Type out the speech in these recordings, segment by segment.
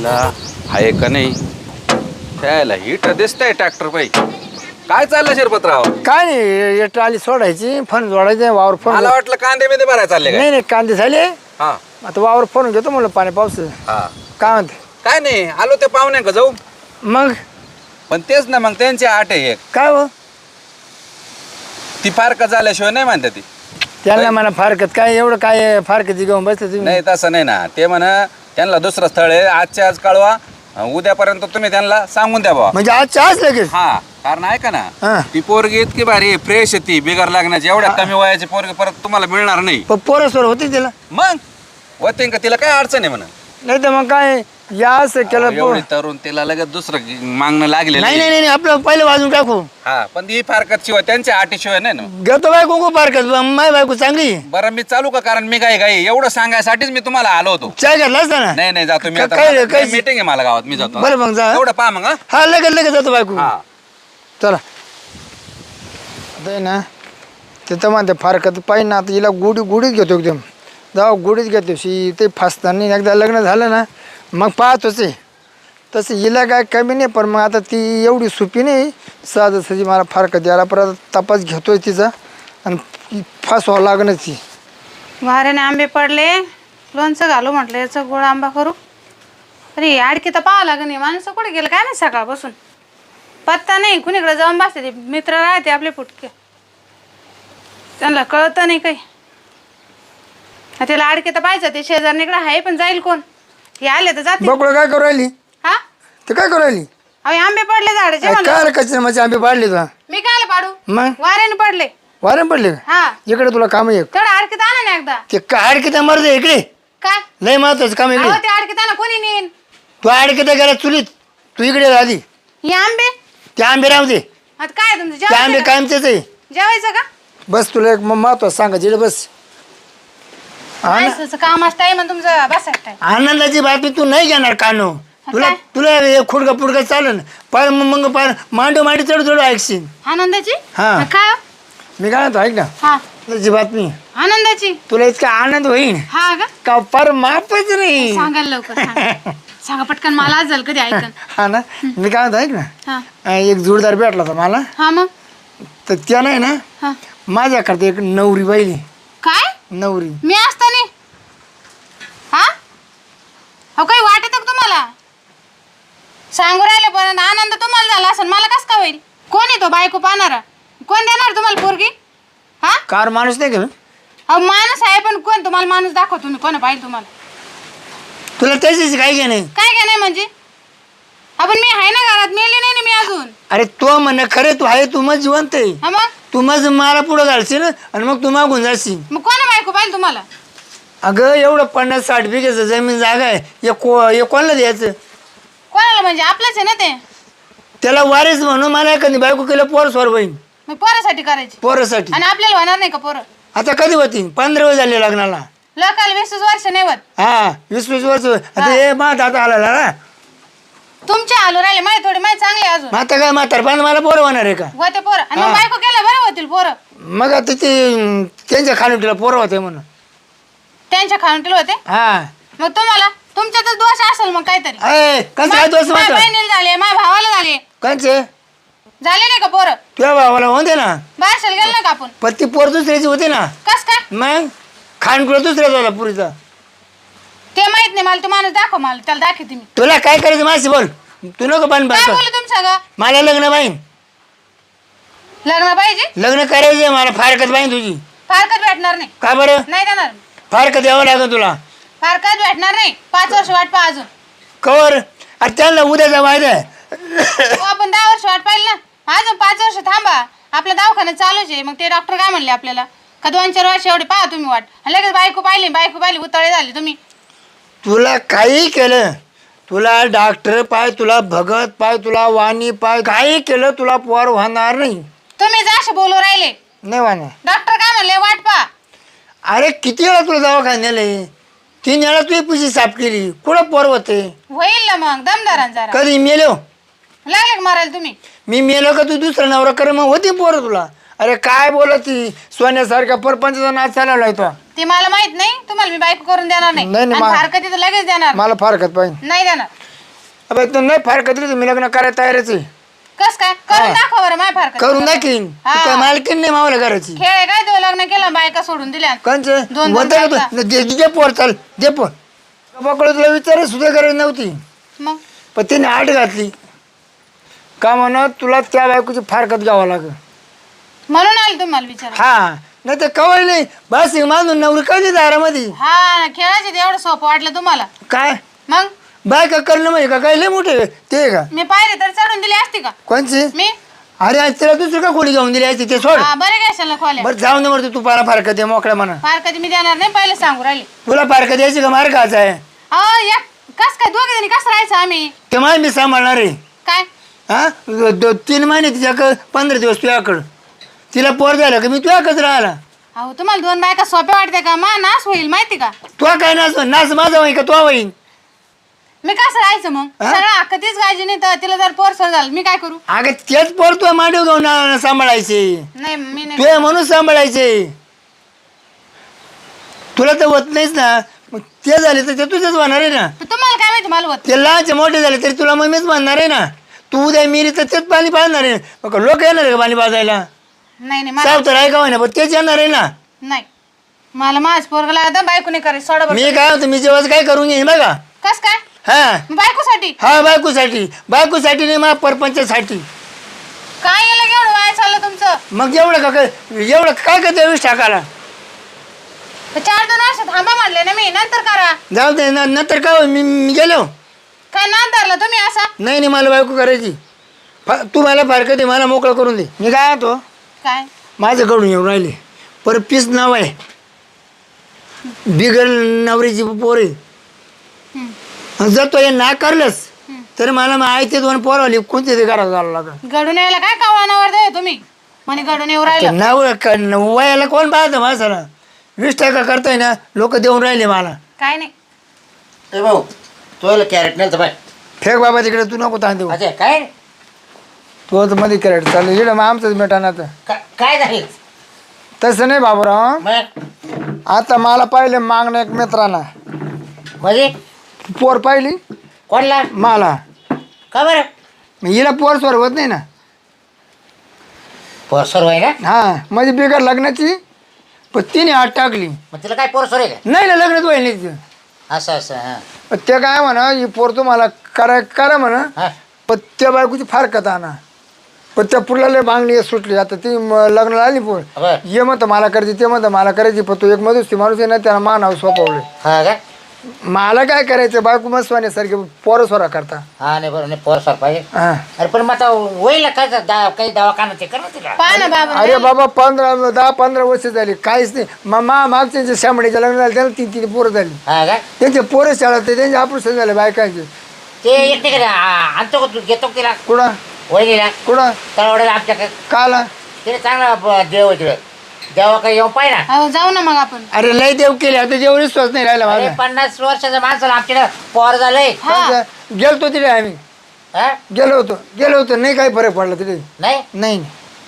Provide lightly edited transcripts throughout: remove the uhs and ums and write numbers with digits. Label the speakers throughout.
Speaker 1: आयला आहे का नाही त्याला हिट दिसतंय ट्रॅक्टर पाहिजे. काय चाललं शिरपतराव?
Speaker 2: काय नाही हे ट्राली सोडायची फन जोडायचे वावर फोन
Speaker 1: मला वाटलं कांदे मध्ये भरायला चालले काय?
Speaker 2: नाही नाही कांदे झाले
Speaker 1: हा
Speaker 2: आता वावर फोन घेतो म्हणलं पाणी पाऊस
Speaker 1: हा
Speaker 2: काय म्हणते
Speaker 1: काय नाही आलो ते पाहुण्या का जाऊ.
Speaker 2: मग
Speaker 1: पण तेच ना मग त्यांची आठ आहे एक
Speaker 2: काय हो
Speaker 1: ती फार का झाल्याशिवाय नाही म्हणते ती.
Speaker 2: त्यांना म्हणा फारकत काय एवढं काय फारकती घेऊन बसले तुम्ही
Speaker 1: नाही तसं नाही ना ते म्हणा त्यांना दुसरं स्थळ आहे आजच्या आज कळवा उद्यापर्यंत तुम्ही त्यांना सांगून द्या बाबा.
Speaker 2: म्हणजे आजच्या आज लगेच
Speaker 1: हा कारण ऐका
Speaker 2: हा.
Speaker 1: ना ती पोरगी इतकी भारी फ्रेश आहे ती बिगर लागण्याची एवढ्या कमी वयाची पोरगी परत तुम्हाला मिळणार नाही.
Speaker 2: पण पोरसवर होती तिला
Speaker 1: मग होते का तिला काय अडचण आहे म्हणा.
Speaker 2: नाही तर मग काय या असं केलं
Speaker 1: एवढी तरुण तिला लगेच दुसरं मागणं लागले
Speaker 2: नाही नाही नाही आपलं पहिलं वाजून टाकू
Speaker 1: हा पण ही फारकत शिवाय त्यांच्या अटीशिवाय नाही ना.
Speaker 2: घेतो बायको को फारकत माय बायको चांगली
Speaker 1: बरं मी चालू का कारण मी काय काय एवढं सांगायसाठीच मी तुम्हाला आलो होतो.
Speaker 2: चाय घेतला असता ना
Speaker 1: नाही नाही जातो मी आता
Speaker 2: काय- काय-
Speaker 1: मीटिंग आहे मला गावात मी जातो.
Speaker 2: बरं मग जा
Speaker 1: एवढं पहा मग
Speaker 2: हा लगेच लगेच जातो बायको
Speaker 1: हा
Speaker 2: चला ते ना ते तर म्हणते फारकत पाहिजे ना आता हिला गुढीच घेतो एकदम जाऊ गुढीच घेतो ते फासताना एकदा लग्न झालं ना मग पाहतोच आहे तसं हिला काय कमी नाही पण मग आता ती एवढी सोपी नाही सहजासहजी मला फारकत यायला परत तपास घेतोय तिचा आणि फासवावं लागणार ती
Speaker 3: वाऱ्याने आंबे पडले लोणचं घालू म्हटलं याचं गोड आंबा करू. अरे आडकी तर पाहावं लागेल नाही माणसं कुठे गेलं काय नाही सकाळपासून पत्ता नाही कुणीकडे जाऊन बसते ते मित्र राहते आपले फुटके त्यांना कळतं नाही काही. त्याला आडके तर पाहिजे ते शेजारणीकडे आहे पण जाईल कोण हे आले तर जाते.
Speaker 2: बकुळं काय करू राहिली
Speaker 3: हा
Speaker 2: ते काय करू राहिली
Speaker 3: अहो आंबे पडले झाडाचे म्हणलं.
Speaker 2: काय कच्चे माझे आंबे पाडले तुला
Speaker 3: मी काय पाडू
Speaker 2: मग
Speaker 3: वाऱ्याने पडले
Speaker 2: वारे पडले का
Speaker 3: हा
Speaker 2: इकडे तुला काम आहे एक
Speaker 3: तेवढं आडकीत आणा ना एकदा.
Speaker 2: ते काय किती मरते इकडे
Speaker 3: काय
Speaker 2: लय महत्वाचं काम इकडे
Speaker 3: अहो ते आडकीत आणा कोणी नेईन.
Speaker 2: तू किती गेला चुलीत तू इकडे ये आधी
Speaker 3: हे आंबे
Speaker 2: ते आंबे राहू दे
Speaker 3: आता काय तुमचं
Speaker 2: ते आंबे
Speaker 3: जेवायचं का?
Speaker 2: कायमचेच आहे
Speaker 3: जेवायचं का
Speaker 2: बस तुला एक महत्वाचं सांगा जिकडे बस
Speaker 3: माणसाचं काम असतं आहे मग तुमचं बसायचं टाइम.
Speaker 2: आनंदाची बातमी तू नाही घेणार कानो तुला
Speaker 3: काय?
Speaker 2: तुला हे खुडका पुडका चालेल पार मग पार मांडो मांडी चढ चढ ऐकशील
Speaker 3: आनंदाची
Speaker 2: हा.
Speaker 3: काय हो?
Speaker 2: मी काय म्हणतो ऐक ना
Speaker 3: हा
Speaker 2: तुझी बातमी
Speaker 3: आनंदाची
Speaker 2: तुला इतका आनंद होईल
Speaker 3: हा का
Speaker 2: का पार मापच नाही
Speaker 3: सांगायला लवकर सांगा. सांगा पटकन मला आज झालं कधी ऐकन.
Speaker 2: हा ना मी काय म्हणतो ऐक ना
Speaker 3: हा
Speaker 2: एक जोडदार भेटला होता मला
Speaker 3: हा मग
Speaker 2: तर त्या नाही ना
Speaker 3: हा
Speaker 2: माझ्याकडे एक नवरी बाईली
Speaker 3: काय
Speaker 2: नवरी
Speaker 3: मी असताना हा हो काही वाटत का तुम्हाला सांगू राहिले पर्यंत आनंद तुम्हाला झाला असेल मला कस का होईल. कोण आहे तो बायको पाहणारा कोण देणार तुम्हाला पोरगी हा
Speaker 2: कार माणूस नाही का
Speaker 3: अहो माणूस आहे पण कोण तुम्हाला माणूस दाखव तुम्ही कोण पाहिजे तुम्हाला
Speaker 2: तुला त्याच्याशी काही घे नाही
Speaker 3: काय काय नाही म्हणजे आपण मी आहे ना घरात मेले नाही ना मी अजून.
Speaker 2: अरे तो म्हण खरे तू आहे तू मग जिवंत आहे
Speaker 3: हा मग
Speaker 2: तू मग मला पुढं घालशील आणि मग तू मागून जाशील.
Speaker 3: मग कोण बायको पाहिजे तुम्हाला.
Speaker 2: अगं एवढं 50-60 बिघेचं जमीन जागा आहे हे कोणाला द्यायचं
Speaker 3: कोणाला म्हणजे आपलंच आहे ना ते.
Speaker 2: त्याला वारीस म्हणून मला एखादी बायको केलं पोर स्वर होईन
Speaker 3: मग पोरासाठी करायची
Speaker 2: पोरासाठी.
Speaker 3: आणि आपल्याला होणार नाही का पोरं.
Speaker 2: आता कधी होती 15 वर्ष झाले लग्नाला.
Speaker 3: लोकाला 20 वर्ष नाही होत.
Speaker 2: हा 20-20 वर्ष आता हे मग आता आला ना
Speaker 3: तुमचे आलो राहिले माहिती थोडे माहिती चांगले अजून
Speaker 2: मग आता काय म्हातारपण मला पोर होणार आहे का.
Speaker 3: होते पोरं आणि मग बायको केलं बरं होतील पोरं.
Speaker 2: मग आता ते त्यांच्या खाणुटीला पोरं होते म्हणून
Speaker 3: त्यांच्या खाणुटीला होते.
Speaker 2: हा
Speaker 3: मग तुम्हाला तुमच्यातच दोष असेल मग काहीतरी.
Speaker 2: कंच काय दोष
Speaker 3: माझ्या
Speaker 2: मात्र
Speaker 3: बहिणीला झाले माझ्या भावाला झाले
Speaker 2: कंचे
Speaker 3: झाले नाही का पोरं.
Speaker 2: तुझ्या भावाला होते ना
Speaker 3: बाहेर गेलो ना का आपण.
Speaker 2: पण ती पोर दुसऱ्याची होती ना
Speaker 3: कस काय
Speaker 2: मग खानकुळा दुसऱ्याचा होता पुरीचा.
Speaker 3: ते माहित नाही मला. तो माणूस दाखव मला त्याला दाखवते मी.
Speaker 2: तुला काय करायचं माझी बोल तू नको पण
Speaker 3: काय बोलू तुमचं ग.
Speaker 2: मला लग्न पाहिजे
Speaker 3: लग्न पाहिजे
Speaker 2: लग्न करायचंय मला फारकत पाहिजे तुझी.
Speaker 3: फारकत भेटणार नाही.
Speaker 2: का बरं
Speaker 3: नाही देणार.
Speaker 2: फारकत यावं लागेल तुला.
Speaker 3: फारकत भेटणार नाही. 5 वर्ष वाट पहा अजून.
Speaker 2: कवर अरे त्यांना उद्याचा वायदा आहे.
Speaker 3: हो, आपण 10 वर्ष वाट पाहिली ना अजून 5 वर्ष थांबा. आपल्या दवाखान्यात चालूच आहे. मग ते डॉक्टर काय म्हणले आपल्याला का 2-4 वर्ष एवढे पहा तुम्ही वाट. आणि लगेच बायको पाहिली उतळे झाले तुम्ही.
Speaker 2: तुला काही केलं तुला डॉक्टर पाय तुला भगत पाय तुला वाणी पाय काही केलं तुला पोर होणार नाही.
Speaker 3: तुम्ही जसे बोलू राहिले
Speaker 2: नाही वाणी.
Speaker 3: डॉक्टर काय म्हणले वाट पहा.
Speaker 2: अरे किती वेळा तुला दवाखान्याला 3 वेळा तुझी पिशी साफ केली कुठं पोर होते.
Speaker 3: होईल ना मग दमदारान जरा.
Speaker 2: कधी मेलो
Speaker 3: लागले का मारायला तुम्ही.
Speaker 2: मी मेलो का तू दुसरा नवरा कर मग होती पोर तुला. अरे काय बोलत ती सोन्यासारख्या परपंचा नाच चालवलाय तो.
Speaker 3: ते मला माहित नाही. तुम्हाला मी बायको करून देणार नाही.
Speaker 2: नाही, नाही,
Speaker 3: आणि फारकत तर लगेच देणार.
Speaker 2: मला फारकत पाहिजे.
Speaker 3: नाही देणार.
Speaker 2: अबे तू नाही फारकत दिली तर मी लग्न करायला तयारच आहे.
Speaker 3: कस काय करून दाखव बरं माय फार
Speaker 2: करून दाखीन. तू काय मालकीन नाही मावला घराची.
Speaker 3: खेळ आहे काय तो लग्न केलं बायका सोडून दिल्या
Speaker 2: कंचं
Speaker 3: दोन
Speaker 2: म्हणता
Speaker 3: बायका.
Speaker 2: का तू दे पोर चाल दे पोर पकडं तुला विचार सुद्धा करायची नव्हती
Speaker 3: मग
Speaker 2: पण तिने आठ घातली का म्हणत तुला त्या बायकोची फारकत घ्यावं लागेल.
Speaker 3: म्हणून आले तुम्हाला विचार
Speaker 2: हा नाही तर कवळ नाही बस मानून नवरी कधी दारामध्ये
Speaker 3: हा खेळायचे एवढं सोपं वाटलं तुम्हाला
Speaker 2: काय
Speaker 3: मग
Speaker 2: बायका करणं म्हणजे का काय लय मोठे ते का
Speaker 3: मी पाहिजे तर चढून दिली असती का
Speaker 2: कोणची
Speaker 3: मी
Speaker 2: अरे आज तिला दुसरं का खोली घेऊन दिली असती ते सोड.
Speaker 3: हा बरे घ्यायला खोल्या
Speaker 2: बरं जाऊ दे तू पारा फारकत आहे मोकळ्या म्हणा.
Speaker 3: फार कधी मी देणार नाही पहिले सांगू राहिले
Speaker 2: तुला फारकत यायची का मार खायचा आहे
Speaker 3: अहो या कस काय दोघे जणी कसं राहायचं आम्ही
Speaker 2: ते माय मी सांभाळणार आहे.
Speaker 3: काय
Speaker 2: हा 3 महिने तिच्याकडं 15 दिवस तुझ्याकडं तिला पोर झालं का मी तुझ्याकडंच राहिला.
Speaker 3: अहो तुम्हाला दोन बायका सोप्या वाटते का मा नाश होईल माहिती का
Speaker 2: तुला काय नाच माझा होईन का तो होईन.
Speaker 3: मी कसं राहायचं मग सगळं अख्खा तीच गायची नाही तर तिला जर पोर झालं मी काय करू
Speaker 2: अगं तेच पोर तुला मांडव घेऊन सांभाळायचे
Speaker 3: नाही मी नाही
Speaker 2: तुझ्या म्हणून सांभाळायचे तुला तर होत नाहीच ना मग ते झाले तर ते तुझंच होणार आहे ना.
Speaker 3: तर तुम्हाला काय माहिती मला होत
Speaker 2: ते लहानचे मोठे झाले तरी तुला मग मीच म्हणणार आहे ना. तू उद्या मिरी तर तेच पाणी पाजणार आहे. मग लोक येणार आहे का पाणी पाजायला
Speaker 3: नाही नाही मला
Speaker 2: सावतर आहे का होईना पण तेच येणार आहे ना.
Speaker 3: नाही मला माझ पोरगला आता बायको नाही करायचं सोडा बरं.
Speaker 2: मी काय होतं मी जेव्हा काय करून घेईन बघा.
Speaker 3: कस काय
Speaker 2: हा
Speaker 3: बायकोसाठी
Speaker 2: हा बायकोसाठी नाही मा परपंचासाठी.
Speaker 3: काय गेलं एवढं वाया चाललं तुमचं
Speaker 2: मग एवढं काय करते वीस टाकाला.
Speaker 3: तर 4-2 वर्ष थांबा म्हणले ना मी नंतर करा
Speaker 2: जाऊ दे नंतर काय होईल, मी गेलो.
Speaker 3: काय नाद धरला तुम्ही असा
Speaker 2: नाही मला बायको करायची. तू मला फारकत आहे मला मोकळं करून दे. मी काय होतो
Speaker 3: काय
Speaker 2: माझ्याकडून येऊन राहिले पर पीस नाव आहे बिगर नवरीची पोर आहे. जर तो हे नाकारलंस तर मला मग आहे ते 2 पोरवली कोणते ते घरात घालावं लागेल.
Speaker 3: घडून यायला काय कावळानावर दे तुम्ही म्हणे घडून येऊ राहिलं
Speaker 2: नाव वयाला कोण पाहतं माणसाला 20% करताय ना लोक देऊन राहिले मला.
Speaker 3: काय नाही
Speaker 4: ए भाऊ तुला कॅरेट नाही तर बाय
Speaker 2: फेक बाबा तिकडे तू नको ताण देऊ.
Speaker 4: अच्छा काय
Speaker 2: तू तर मध्ये कॅरेट चाललं इकडं मग आमचंच मिठाना तर
Speaker 4: काय झालं
Speaker 2: तसं नाही बाबूराव.
Speaker 4: मग
Speaker 2: आता मला पाहिलं मागणं एक मित्रांना
Speaker 4: म्हणजे
Speaker 2: पोर पाहिली
Speaker 4: कोणला
Speaker 2: मला
Speaker 4: का बरं
Speaker 2: मग हिला पोर स्वर होत नाही ना.
Speaker 4: पोरसोर आहे ना
Speaker 2: हा म्हणजे बिगर लग्नाची पण तिने हात टाकली.
Speaker 4: मग तिला काय पोरसोर आहे का
Speaker 2: नाही ना लग्नच व्हायला नाही तिचं.
Speaker 4: असं हां
Speaker 2: पण ते काय म्हणा ही पोर तुम्हाला करा म्हणा
Speaker 4: हां
Speaker 2: पण त्या बायकोची फार कथा आणा पण त्या पुढला लय मागणी सुटली. आता ती लग्नाला आली पोर
Speaker 4: बरं
Speaker 2: ये म्हणतं मला करायची ते म्हणतं मला करायची पण तो एक मधुस माणूस आहे ना त्याला मानाव सोपवले.
Speaker 4: हां का
Speaker 2: मला काय करायचं बायको मग सोन्यासारखे पोरं सोरा करता.
Speaker 4: हां नाही बरं नाही पोरसोर पाहिजे
Speaker 2: हा
Speaker 4: अरे पण मग आता होईल काय काही दवाखाना ते कर ना तिला
Speaker 3: पहा ना बाबा
Speaker 2: अरे बाबा 10-15 वर्ष झाली काहीच नाही. मागच्या शामडीच्या लग्न झालं त्याला 3 पोरं झाली.
Speaker 4: हां का
Speaker 2: त्यांचे पोरं शाळा ते त्यांचे ऑपरेशन झाले बायकांचे.
Speaker 4: ते एक नाही का आणतो का तू घेतो का तिला
Speaker 2: कुठं
Speaker 4: वहिनीला
Speaker 2: कुठं
Speaker 4: तळवड्याला आमच्याकडे
Speaker 2: काला
Speaker 4: तिने चांगला देव आहे तिकडे देवा काही येऊन पाहिजे ना
Speaker 3: अहो जाऊ ना मग आपण
Speaker 2: अरे लय देव केले आता जेवढी विश्वास नाही राहिला
Speaker 4: अरे
Speaker 2: माझा.
Speaker 4: 50 वर्षाच्या माणसाला आमच्याकडे पोर झालंय
Speaker 3: हा
Speaker 2: गेलतो तिथे आम्ही
Speaker 4: हा
Speaker 2: गेलो होतो नाही काही फरक पडला तिथे
Speaker 4: नाही
Speaker 2: नाही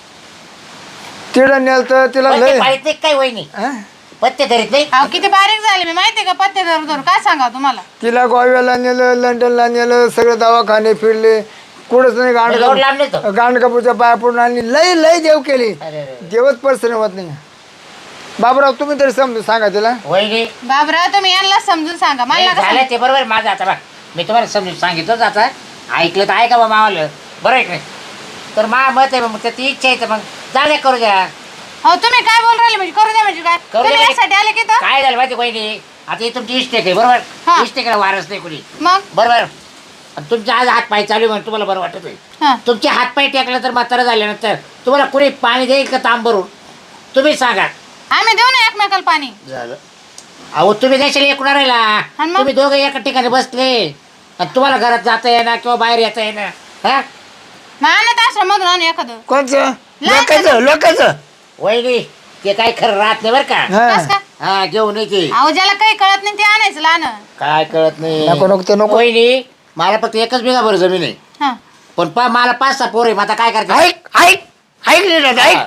Speaker 2: तिथं नेलं तर तिला
Speaker 4: पत्ते
Speaker 2: लय
Speaker 4: पाळीत नाही काय वहिनी
Speaker 2: हा?
Speaker 4: पत्ते धरीत नाही
Speaker 3: अहो किती बारीक झाले मी माहितीये का पत्ते धरू धरू काय सांगा तुम्हाला
Speaker 2: तिला गोव्याला नेलं लंडनला नेलं सगळे दवाखाने फिरले कुठंच नाही
Speaker 4: एवढं लांब नाही तो.
Speaker 2: गांडकापूरच्या पाया पडून आणली लय देव केली.
Speaker 4: अरे अरे
Speaker 2: देवच पर्सन होत नाही. बाबराव तुम्ही तरी समजून सांगा तिला.
Speaker 4: वहिनी
Speaker 3: बाबरा तुम्ही यांना समजून सांगा मला नका
Speaker 4: झालं ते बरोबर माझं आता बघ मी तुम्हाला समजून सांगितलंच आता ऐकलं तर ऐका बा मावाला बरं आहे का नाही तर मा मत आहे मग ती इच्छा आहे तर मग जा करू द्या
Speaker 3: अहो तुम्ही काय बोल राहिले म्हणजे करू द्या म्हणजे काय
Speaker 4: करू
Speaker 3: तुम्ही
Speaker 4: द्या
Speaker 3: यासाठी आले की तर
Speaker 4: काय झालं माहिती वहिनी आता ही तुमची इष्टेक आहे
Speaker 3: हा.
Speaker 4: बरोबर इष्टेकला वारस नाही कुणी
Speaker 3: मग
Speaker 4: बरोबर आणि तुमचे आज हात पाय चालू आहे म्हणून तुम्हाला बरं वाटत आहे
Speaker 3: हा
Speaker 4: तुमचे हात पाय टेकले तर म्हातारा झाल्यानंतर तुम्हाला कुणी पाणी देईल का तांब भरून तुम्ही सांगा
Speaker 3: आम्ही देऊ ना एकमेकाला पाणी
Speaker 4: झालं अहो तुम्ही देशाला एकूण राहिला
Speaker 3: आणि मग?
Speaker 4: तुम्ही दोघं एका ठिकाणी बसले आणि तुम्हाला घरात जाता येणार किंवा बाहेर येता येणार हा
Speaker 3: मग अनाथ आश्रम मधून आणू एखादं
Speaker 2: कोणचं
Speaker 3: लहान
Speaker 2: लोकांचं
Speaker 4: वहिनी ते काही खरं राहत नाही बरं का
Speaker 2: हा.
Speaker 3: कस का
Speaker 4: हा घेऊन येते
Speaker 3: अहो ज्याला काही कळत नाही ते आणायचं लहान
Speaker 4: काय कळत नाही
Speaker 2: नको ते नको
Speaker 4: वहिनी मला फक्त एकच बिघा बरं जमीन आहे
Speaker 3: हा
Speaker 4: पण मला 5-6 पोर आहे मग आता काय करते
Speaker 2: ऐक नीट आता, ऐक.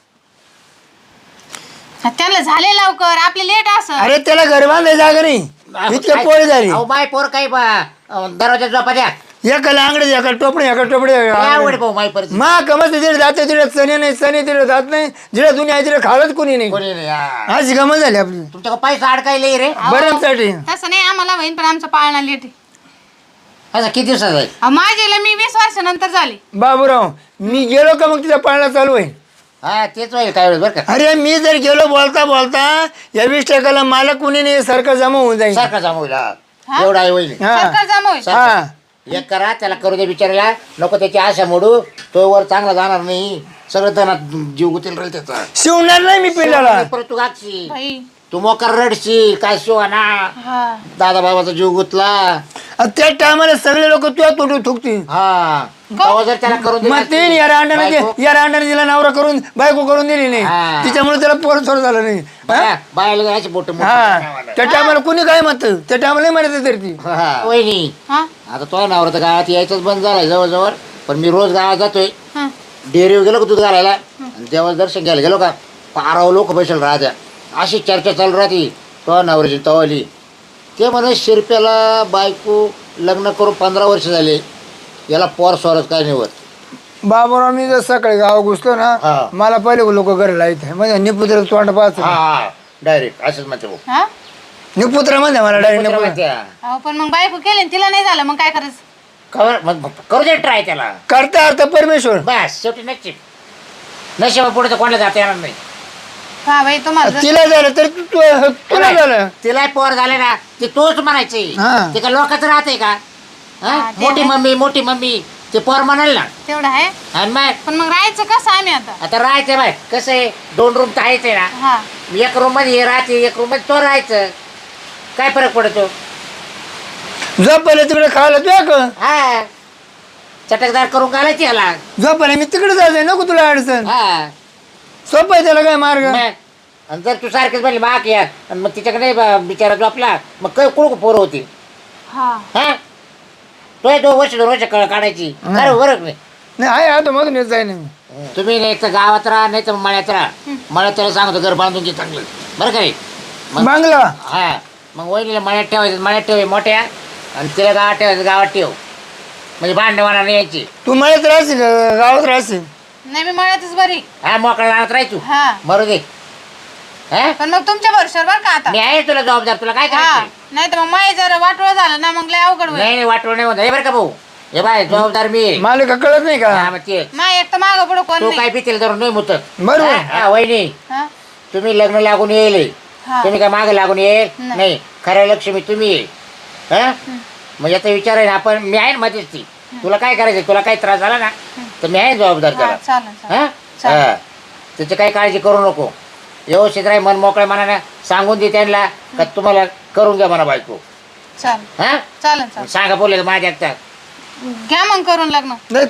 Speaker 3: त्यांना झाले लवकर आपले लेट असं
Speaker 2: अरे त्याला घर बांधायला जागा नाही इतके पोळी झाली
Speaker 4: अहो माय पोर काही दरवाजा झोपा द्या
Speaker 2: एकाला आंगडे एका टोपडे
Speaker 4: लय आवड भाऊ माय परत
Speaker 2: मा कमत तिथे जाते तिथे चणे नाही चणे तिथे जात नाही जिथे दुनिया आहे तिथे खावत कोणी नाही
Speaker 4: कोणी नाही हा.
Speaker 2: अशी गमत झाली आपली
Speaker 4: तुमच्या पैसा अडकायला रे
Speaker 2: बऱ्याचसाठी
Speaker 3: तसं नाही आम्हाला होईन पण आमचं पाळणा लेट आहे
Speaker 4: असं किती दिवसाचा आहे
Speaker 3: माझ्याला मी 20 वर्षानंतर झाली
Speaker 2: बाबूराव मी गेलो का मग तिचा पाळणा चालू आहे
Speaker 4: हा तेच होईल काय वेळेस बरं का
Speaker 2: अरे मी जर गेलो बोलता बोलता या 20% मला कुणी नाही सारखं जमा होऊन जाईल
Speaker 4: सारखा जमा होईल हा. एवढा आहे होईल
Speaker 2: हा
Speaker 3: सरकार जमा होईल
Speaker 2: हा
Speaker 4: एक करा त्याला करू दे बिचारायला नको त्याची आशा मोडू तो वर चांगला जाणार नाही सगळं त्यांना जीव गुतील राहील त्याचा
Speaker 2: शिवणार नाही मी पिल्लाला
Speaker 4: परत तू गागशी
Speaker 3: बाई
Speaker 4: तू मोकर रडशील काय शिवाना
Speaker 3: हा
Speaker 4: दादा बाबाचा जीव गुतला
Speaker 2: त्या टायमाला सगळे लोक तुझ्या तोंडून थुकतील
Speaker 4: हा तेव्हा जर त्याला करून दिलं
Speaker 2: मग ते या रांडाने
Speaker 4: बायको-
Speaker 2: या रांडाने तिला नवरा करून बायको करून दिली नाही
Speaker 4: हा.
Speaker 2: तिच्यामुळे त्याला पोरं सोड झालं नाही हा?
Speaker 4: बायला जायचे बोट
Speaker 2: हा त्या टायमाला कुणी काय म्हणत त्या टायमाला म्हणत तरी ती
Speaker 4: वहिनी
Speaker 3: हा
Speaker 4: आता तो नावर तर गावात यायचंच बंद झालाय जवळजवळ पण मी रोज गावात जातोय
Speaker 3: हा
Speaker 4: डेअरीवर गेलो का दूध घालायला आणि देवाला दर्शन घ्यायला गेलो का पाराव लोक बसेल राहत्या अशी चर्चा चालू राहते तो नवऱ्याची तवाली ते म्हणे शिरप्याला बायको लग्न करून 15 वर्ष झाले याला पोर स्वरच काय निवड
Speaker 2: बाबूराव मी जर सकाळी गाव घुसलो ना
Speaker 4: हा.
Speaker 2: मला पहिले लोक घरी लाईत म्हणजे निपुत्र तोंड पाहत
Speaker 4: हा डायरेक्ट असंच म्हणते भाऊ
Speaker 3: हा
Speaker 2: निपुत्र म्हणते मला
Speaker 4: कुत्रा
Speaker 2: डायरेक्ट
Speaker 4: म्हणते, हा.
Speaker 3: अहो पण मग बायको केली आणि तिला नाही झालं मग काय करायचं
Speaker 4: मग करू दे ट्राय त्याला
Speaker 2: करता अर्थ परमेश्वर
Speaker 4: बस शेवटी नशिबा पुढे तर कोणाला जाता येणार नाही
Speaker 3: हा बाई तुम्हाला
Speaker 2: तिला झालं तर तुला झालं
Speaker 4: तिला पोर झाले ना ते तोच म्हणायचे
Speaker 2: हा.
Speaker 4: ते का लोकांचं राहते का हा?
Speaker 3: हा, ते
Speaker 4: मोठी मम्मी ते पोर म्हणाल ना
Speaker 3: तेवढं आहे
Speaker 4: आणि मग
Speaker 3: पण मग राहायचं कसं आम्ही आता
Speaker 4: आता राहायचं बाय कसं आहे 2 रूम तर आहेच आहे ना
Speaker 3: हा
Speaker 4: एक रूम मध्ये हे राहते एक रूम मध्ये तो राहायचं काय फरक पडतो
Speaker 2: झोपायला तिकडे खायला तुया का
Speaker 4: हा चटकदार करून घालायची याला
Speaker 2: झोपायला मी तिकडे जायचंय नको तुला अडचण
Speaker 4: हा
Speaker 2: सोपं आहे त्याला काय मार्ग
Speaker 4: मग आणि जर तू सारखेच म्हणली माग या आणि मग तिच्याकडे बिचारा झोपला मग काय कुळ पोरं होती
Speaker 3: हा
Speaker 4: हा तो 2 वर्ष काढायची बरं बरं नाही
Speaker 2: नाही आहे आता मधून येत जाय नाही
Speaker 4: तुम्ही नाही तर गावात राहा नाही तर मळ्यात राहा मळ्यात त्याला सांगतो घर बांधून घे चांगलं बरं का रे मग
Speaker 2: बांगला
Speaker 4: हा मग वहिनीला मळ्यात ठेवायचं मळ्यात ठेवाय मोठ्या आणि तिला गावात ठेवायचं गावात ठेव म्हणजे भांडवाना नाही यायची
Speaker 2: तू मळ्यात राहशील का गावात राहशील
Speaker 3: नाही मी मळ्यातच बरी
Speaker 4: हा मोकळा राहत राहायचो
Speaker 3: हा
Speaker 4: बरं दे हा
Speaker 3: पण मग तुमच्या भरोश्यावर बरं का आता
Speaker 4: मी आहे तुला जबाबदार तुला काय
Speaker 3: हा
Speaker 4: करायचं
Speaker 3: नाही तर मग माय जर वाटोळ झालं ना मग लय अवघड होईल
Speaker 4: नाही वाटवं नाही होत हे बरं का भाऊ हे बाय जबाबदार मी आहे.
Speaker 2: मालिका कळत नाही
Speaker 4: हा
Speaker 2: का
Speaker 4: मग ते
Speaker 3: माय एक तर मागं पुढं कोण
Speaker 4: तू
Speaker 3: नाही
Speaker 4: काय पितील धरून नाही मुतत
Speaker 2: बरोबर
Speaker 4: हा वहिनी
Speaker 3: हा
Speaker 4: तुम्ही लग्न लागून येईल
Speaker 3: हा.
Speaker 4: तुम्ही काय मागे लागून येईल
Speaker 3: नाही.
Speaker 4: नाही खऱ्या लक्ष्मी तुम्ही आहे हा मग याचा विचार आहे ना आपण मी आहे ना मध्येच ती तुला काय करायचं तुला काही त्रास झाला ना तर मी आहे जबाबदार
Speaker 3: हा,
Speaker 4: त्याला
Speaker 3: चालेल चालेल.
Speaker 4: हा
Speaker 3: चालेल.
Speaker 4: हा. त्याची काही काळजी करू नको व्यवस्थित राही मन मोकळ्या मनाने सांगून दे त्यांना का तुम्हाला करून घ्या म्हणा बायको
Speaker 3: चालेल
Speaker 4: हा
Speaker 3: चालेल चालेल
Speaker 4: सांगा बोलले माझ्या एकटा
Speaker 3: घ्या मग करून लग्न
Speaker 2: नाही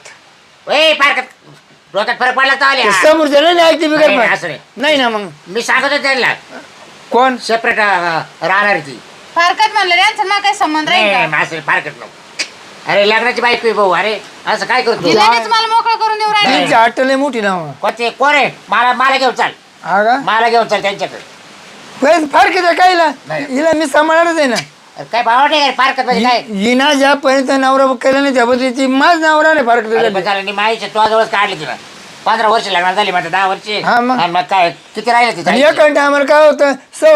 Speaker 2: फारकत
Speaker 4: ए फारकत डोक्यात फरक पडला तर आले
Speaker 2: समोरच्या नाही ऐकते
Speaker 4: नाही,
Speaker 2: बिगर
Speaker 4: नाही, असं नाही.
Speaker 2: नाही ना मग
Speaker 4: मी सांगत होतो त्यांना
Speaker 2: कोण
Speaker 4: सेपरेट राहणार ती
Speaker 3: फारकत म्हणलं यांचं मला काही संबंध राहील का
Speaker 4: नाही असं फारकत नको अरे लग्नाची बायको आहे भाऊ अरे असं काय करतो
Speaker 3: तिलाच मला मोकळं करून देऊ राहिले
Speaker 2: त्यांची आटले मोठी ना मग.
Speaker 4: कोणते कोण आहे मला घेऊन चाल
Speaker 2: हा का
Speaker 4: मला घेऊन चाल त्यांच्याकडे
Speaker 2: फारकत आहे कायला
Speaker 4: नाही.
Speaker 2: हिला मी सांभाळणारच आहे ना
Speaker 4: अरे काय भावा नाही फारकत म्हणजे काय
Speaker 2: हिना ज्यापर्यंत नवरा केला नाही त्याबद्दल ती माझ नवरा नाही फारकत
Speaker 4: अरे
Speaker 2: झाली.
Speaker 4: पण झालं नाही माईच्या तुझ्या जवळच काढली तुला 15 वर्ष लग्नात झाली म्हणजे 10 वर्ष
Speaker 2: हा मग.
Speaker 4: आणि मग काय किती राहिलं
Speaker 2: आणि
Speaker 4: तिथं
Speaker 2: एका टायमाला काय होतं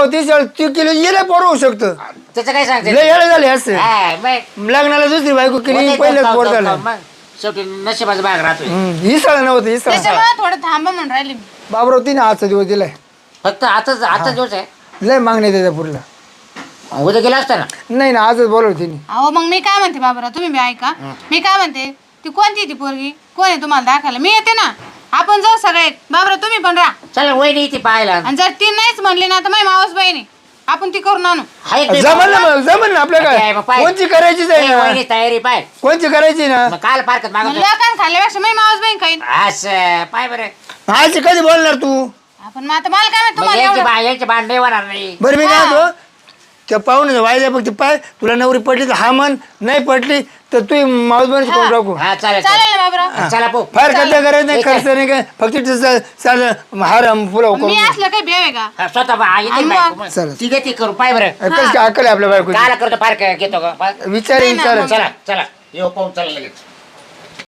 Speaker 2: 37 किलो येला पोरं होऊ शकतं
Speaker 4: त्याचं काय सांगते
Speaker 2: लय येळं झाले असं
Speaker 4: हा, मग
Speaker 2: लग्नाला दुसरी बायको केली
Speaker 4: होते
Speaker 2: पहिलेच
Speaker 4: जाऊ,
Speaker 2: पोर
Speaker 4: जाऊ,
Speaker 2: झालं
Speaker 4: जाऊ, मग शेवटी नशिबाचा भाग राहतोय
Speaker 2: ही सळा नव्हतं ही सळा
Speaker 3: त्याच्यामुळे थोडं थांबा म्हणून राहिली मी
Speaker 2: बाबराव तिने आजचा दिवस दिलाय
Speaker 4: फक्त आता दिवस आहे
Speaker 2: लय मागणी त्याच्या पुरला
Speaker 4: उद्या गेला असता ना
Speaker 2: नाही ना आजच बोलवलं तिने
Speaker 3: अहो मग मी काय म्हणते बाबरा तुम्ही बी ऐका मी काय म्हणते ती कोणती ती पोरगी कोण आहे तुम्हाला दाखवायला मी येते ना आपण जाऊ सगळे बाबरा तुम्ही पण राहा
Speaker 4: चल वहिनी ती पाहायला
Speaker 3: आणि जर ती नाहीच म्हणली ना तर माझी मावस बहिणी आपण ती करून आणू
Speaker 4: हाय ते
Speaker 2: जमल ना मग जमल ना आपल्या
Speaker 4: काय
Speaker 2: काय
Speaker 4: मग पाय.
Speaker 2: कोणची करायचीच आहे
Speaker 4: ए,
Speaker 2: ना
Speaker 4: वहिनी तयारी पाय
Speaker 2: कोणची करायची ना
Speaker 4: मग काल फारकत
Speaker 3: मग
Speaker 4: मागत
Speaker 3: लोकांना खाल्ल्यापेक्षा माझी मावस बहीण खाईन
Speaker 4: असं पाय बरं
Speaker 2: आज कधी बोलणार तू
Speaker 3: आपण मग आता मला काय माहित
Speaker 4: मग
Speaker 3: तुम्हाला एवढं
Speaker 4: यांचे भांडे होणार नाही
Speaker 2: बरं मी काय होतो त्या पाहुणे वायद्या फक्त पाय तुला नवरी पडली तर हा मन नाही पडली तर तू माऊस बनच करून टाकू
Speaker 4: हा चालेल
Speaker 3: चालेल ना बाबराव
Speaker 4: चला पो
Speaker 2: फार खर्च करायचं नाही खर्च नाही काय फक्त चाल हार फुलं
Speaker 3: मी
Speaker 2: करून
Speaker 3: असलं काही बेव आहे का
Speaker 4: हा, स्वतः बा- येते
Speaker 3: आणि
Speaker 4: बायको
Speaker 3: मग?
Speaker 4: मग.
Speaker 2: चला.
Speaker 4: ती देते करू पाय बरं
Speaker 2: कसं काय अक्कल आहे आपल्या बायको
Speaker 4: काला करतो फार घेतो का
Speaker 2: विचार
Speaker 3: नाही ना,
Speaker 2: विचार
Speaker 3: मग.
Speaker 4: चला चला येऊ पाहून चला लगेच